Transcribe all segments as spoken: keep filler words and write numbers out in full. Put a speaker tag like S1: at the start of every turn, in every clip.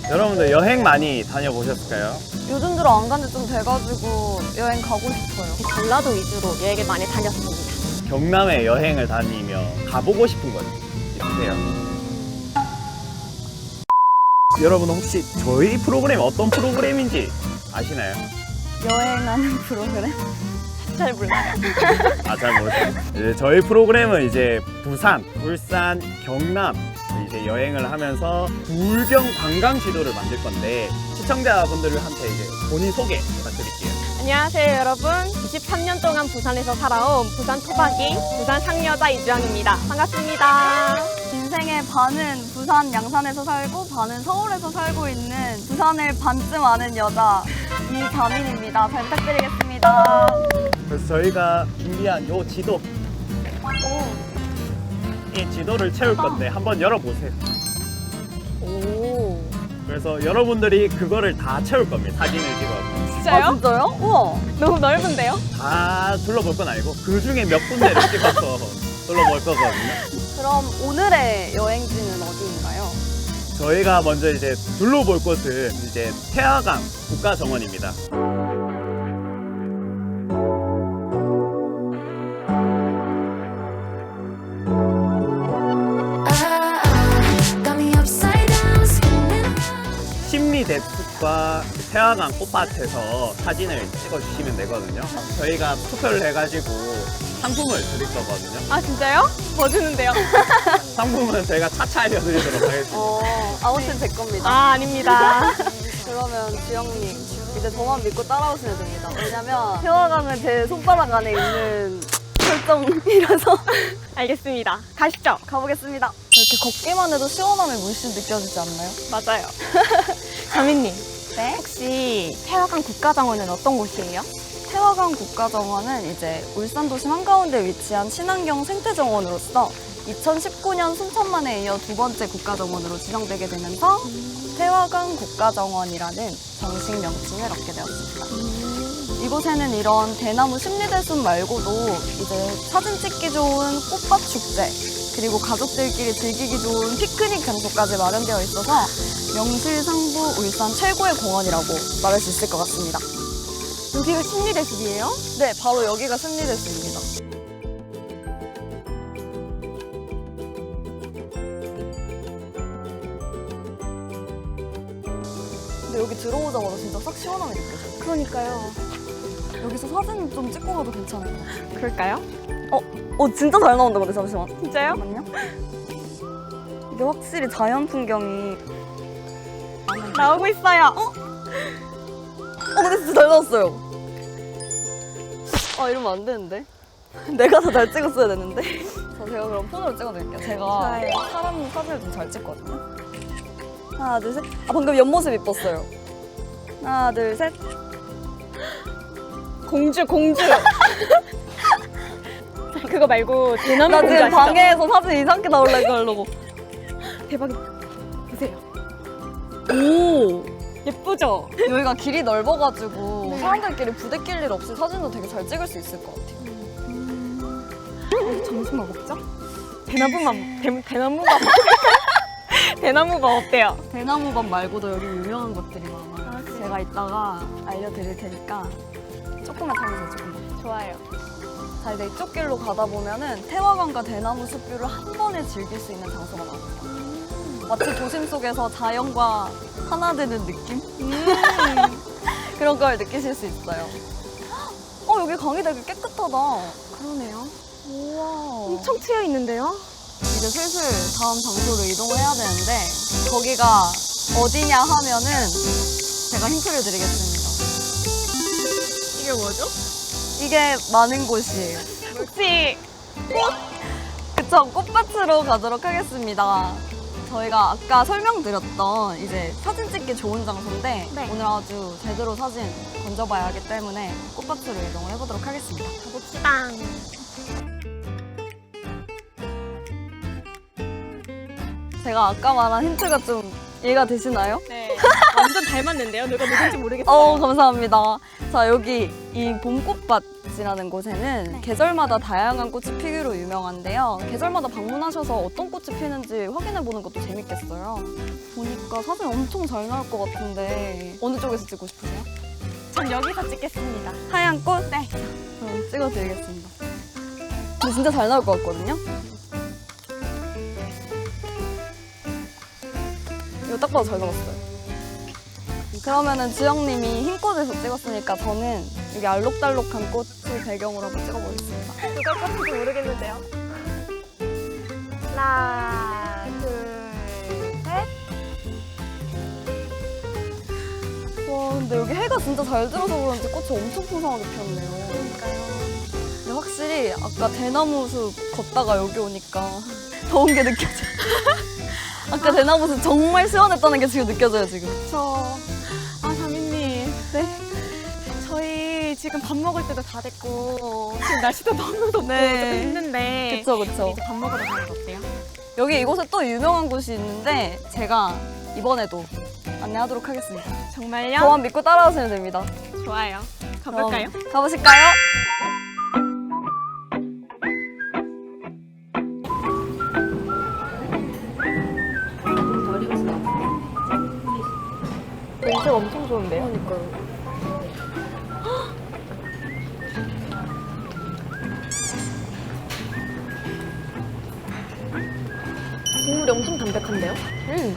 S1: 여러분들 여행 많이 다녀보셨을까요?
S2: 요즘 들어 안 간 지 좀 돼가지고 여행 가고 싶어요.
S3: 전라도 위주로 여행을 많이 다녔습니다.
S1: 경남에 여행을 다니며 가보고 싶은 곳 있으세요? 여러분 혹시 저희 프로그램이 어떤 프로그램인지 아시나요?
S2: 여행하는 프로그램?
S3: 잘 몰라요.
S1: 아, 잘 모르세요. 이제 저희 프로그램은 이제 부산, 울산, 경남 이제 여행을 하면서 불경 관광 지도를 만들 건데 시청자분들한테 이제 본인 소개 부탁드릴게요.
S3: 안녕하세요, 여러분. 이십삼 년 동안 부산에서 살아온 부산 토박이 부산 상여자 이주영입니다. 반갑습니다.
S2: 인생의 반은 부산 양산에서 살고 반은 서울에서 살고 있는 부산을 반쯤 아는 여자 이다민입니다. 잘 부탁드리겠습니다.
S1: 그래서 저희가 준비한 요 지도,
S2: 오,
S1: 이 지도를 채울 건데 한번 열어보세요.
S3: 오.
S1: 그래서 여러분들이 그거를 다 채울 겁니다. 사진을 찍어서.
S3: 진짜요?
S2: 아, 진짜요? 우와.
S3: 너무 넓은데요?
S1: 다 둘러볼 건 아니고 그 중에 몇 군데를 찍어서 둘러볼 거거든요.
S2: 그럼 오늘의 여행지는 어디인가요?
S1: 저희가 먼저 이제 둘러볼 곳은 이제 태화강 국가정원입니다. 심리대숲과 태화강 꽃밭에서 사진을 찍어주시면 되거든요. 저희가 투표를 해가지고 상품을 드릴 거거든요.
S3: 아, 진짜요? 뭐 주는데요?
S1: 상품은 저희가 차차 알려드리도록 하겠습니다.
S2: 어, 아무튼 제 겁니다.
S3: 아, 아닙니다.
S2: 그러면 주영님 이제 저만 믿고 따라오시면 됩니다. 왜냐면 태화강은 제 손바닥 안에 있는 설정이라서
S3: 알겠습니다. 가시죠.
S2: 가보겠습니다. 이렇게 걷기만 해도 시원함이 물씬 느껴지지 않나요?
S3: 맞아요. 자민님,
S2: 네?
S3: 혹시 태화강 국가정원은 어떤 곳이에요?
S2: 태화강 국가정원은 이제 울산 도심 한가운데 위치한 친환경 생태정원으로서 이천십구 년 순천만에 이어 두 번째 국가정원으로 지정되게 되면서 태화강 국가정원이라는 정식 명칭을 얻게 되었습니다. 이곳에는 이런 대나무 심리대숲 말고도 이제 사진 찍기 좋은 꽃밭 축제, 그리고 가족들끼리 즐기기 좋은 피크닉 장소까지 마련되어 있어서 명실상부 울산 최고의 공원이라고 말할 수 있을 것 같습니다.
S3: 여기가 심리대숲이에요?
S2: 네, 바로 여기가 심리대숲입니다. 근데 여기 들어오자마자 진짜 싹 시원함이 느껴져요.
S3: 그러니까요.
S2: 여기서 사진 좀 찍고 가도 괜찮을 것 같아요.
S3: 그럴까요?
S2: 어, 진짜 잘 나온다, 근데 잠시만.
S3: 진짜요?
S2: 잠깐만요. 이게 확실히 자연 풍경이.
S3: 나오고 있어요.
S2: 어? 어, 근데 진짜 잘 나왔어요. 아, 이러면 안 되는데. 내가 더 잘 찍었어야 되는데. 자, 제가 그럼 폰으로 찍어드릴게요. 제가
S3: 좋아요.
S2: 사람 사진을 좀 잘 찍거든요. 하나, 둘, 셋. 아, 방금 옆모습 이뻤어요. 하나, 둘, 셋.
S3: 공주, 공주. 그거 말고 대나무
S2: 나
S3: 공주
S2: 지금
S3: 아시죠?
S2: 방에서 사진 이상하게 나오려고 하려고.
S3: 대박이다. 보세요.
S2: 오!
S3: 예쁘죠?
S2: 여기가 길이 넓어가지고 사람들끼리 부대낄 일 없이 사진도 되게 잘 찍을 수 있을 것 같아요.
S3: 우리 점심 뭐 먹죠? 대나무만, 대, 대나무가 대나무가 어때요?
S2: 대나무밥 말고도 여기 유명한 것들이 많아요.
S3: 아, 그래요?
S2: 제가 이따가 알려드릴 테니까 조금만 참으세요, 조금만.
S3: 좋아요.
S2: 자, 이제 이쪽 길로 가다 보면은 태화강과 대나무 숲뷰를 한 번에 즐길 수 있는 장소가 나옵니다. 마치 도심 속에서 자연과 하나 되는 느낌?
S3: 음.
S2: 그런 걸 느끼실 수 있어요. 어, 여기 강이 되게 깨끗하다.
S3: 그러네요.
S2: 우와.
S3: 엄청 트여 있는데요?
S2: 이제 슬슬 다음 장소로 이동을 해야 되는데 거기가 어디냐 하면은 제가 힌트를 드리겠습니다.
S3: 이게 뭐죠?
S2: 이게 많은 곳이에요.
S3: 혹시
S2: 그쵸, 꽃밭으로 가도록 하겠습니다. 저희가 아까 설명드렸던 이제 사진 찍기 좋은 장소인데
S3: 네.
S2: 오늘 아주 제대로 사진 건져봐야 하기 때문에 꽃밭으로 이동을 해보도록 하겠습니다.
S3: 가봅시다.
S2: 제가 아까 말한 힌트가 좀 이해가 되시나요?
S3: 네. 완전 닮았는데요? 누가 누군지 모르겠어요.
S2: 어, 감사합니다. 자, 여기 이 봄꽃밭이라는 곳에는
S3: 네.
S2: 계절마다 다양한 꽃이 피기로 유명한데요. 계절마다 방문하셔서 어떤 꽃이 피는지 확인해 보는 것도 재밌겠어요. 보니까 사진 엄청 잘 나올 것 같은데 어느 쪽에서 찍고 싶으세요?
S3: 전 여기서 찍겠습니다.
S2: 하얀 꽃?
S3: 네.
S2: 그럼 찍어드리겠습니다. 근데 진짜 잘 나올 것 같거든요? 이거 딱 봐도 잘 나왔어요. 그러면은 지영님이 흰 꽃에서 찍었으니까 저는 여기 알록달록한 꽃을 배경으로 한번 찍어보겠습니다.
S3: 누가 껐는지 모르겠는데요. 하나, 둘, 셋.
S2: 와, 근데 여기 해가 진짜 잘 들어서 그런지 꽃이 엄청 풍성하게 피었네요.
S3: 그러니까요.
S2: 근데 확실히 아까 대나무 숲 걷다가 여기 오니까 더운 게 느껴져요. 아까 대나무 숲 정말 시원했다는 게 지금 느껴져요, 지금.
S3: 저, 아, 자민님.
S2: 네?
S3: 저희 지금 밥 먹을 때도 다 됐고, 지금 날씨도 너무 덥고
S2: 네.
S3: 조금 힘든데.
S2: 그쵸, 그쵸.
S3: 이제 밥 먹으러 가는 거 어때요?
S2: 여기 이곳에 또 유명한 곳이 있는데 제가 이번에도 안내하도록 하겠습니다.
S3: 정말요?
S2: 저만 믿고 따라오시면 됩니다.
S3: 좋아요. 가볼까요?
S2: 그럼 가보실까요?
S3: 냄새가 엄청 좋은데요?
S2: 그러니까요.
S3: 국물이 엄청 담백한데요?
S2: 음,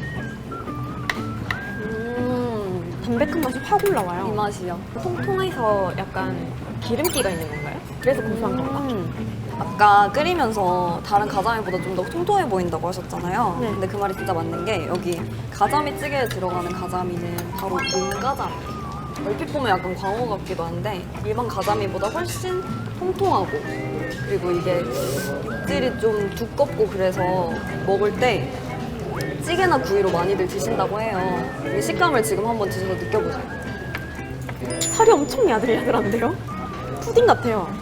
S2: 음,
S3: 담백한 맛이 확
S2: 이
S3: 올라와요.
S2: 맛이요.
S3: 통통해서 약간 기름기가 있는 건가요? 그래서 고소한 건가?
S2: 음. 아까 끓이면서 다른 가자미보다 좀 더 통통해 보인다고 하셨잖아요.
S3: 네.
S2: 근데 그 말이 진짜 맞는 게 여기 가자미 찌개에 들어가는 가자미는 바로 용가자미예요. 얼핏 보면 약간 광어 같기도 한데 일반 가자미보다 훨씬 통통하고 그리고 이게 육질이 좀 두껍고 그래서 먹을 때 찌개나 구이로 많이들 드신다고 해요. 이 식감을 지금 한번 드셔서 느껴보세요.
S3: 살이 엄청 야들야들한데요? 푸딩 같아요.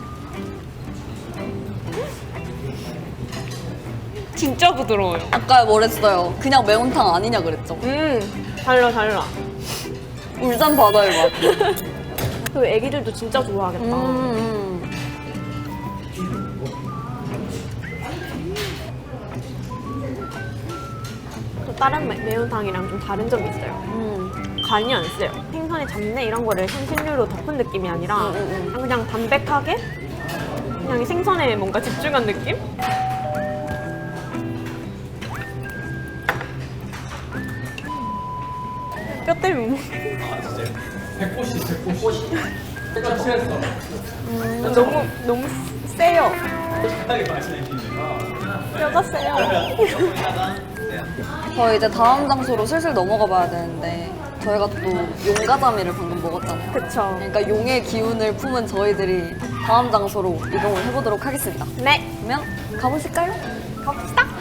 S3: 진짜 부드러워요.
S2: 아까 뭐랬어요? 그냥 매운탕 아니냐 그랬죠?
S3: 음, 달라 달라.
S2: 울산 바다의 맛.
S3: 그 애기들도 진짜 좋아하겠다.
S2: 음,
S3: 또 다른 매- 매운탕이랑 좀 다른 점이 있어요.
S2: 음.
S3: 간이 안 세요. 생선의 잡내 이런 거를 향신료로 덮은 느낌이 아니라
S2: 음, 음, 음.
S3: 그냥 담백하게 그냥 이 생선에 뭔가 집중한 느낌? 뼈 때문에 못 음, 너무 너무 세요. 뼈가 세요.
S2: 저희 이제 다음 장소로 슬슬 넘어가 봐야 되는데 저희가 또 용가자미를 방금 먹었잖아요.
S3: 그쵸.
S2: 그러니까 용의 기운을 품은 저희들이 다음 장소로 이동을 해보도록 하겠습니다.
S3: 네,
S2: 그러면 가보실까요?
S3: 갑시다.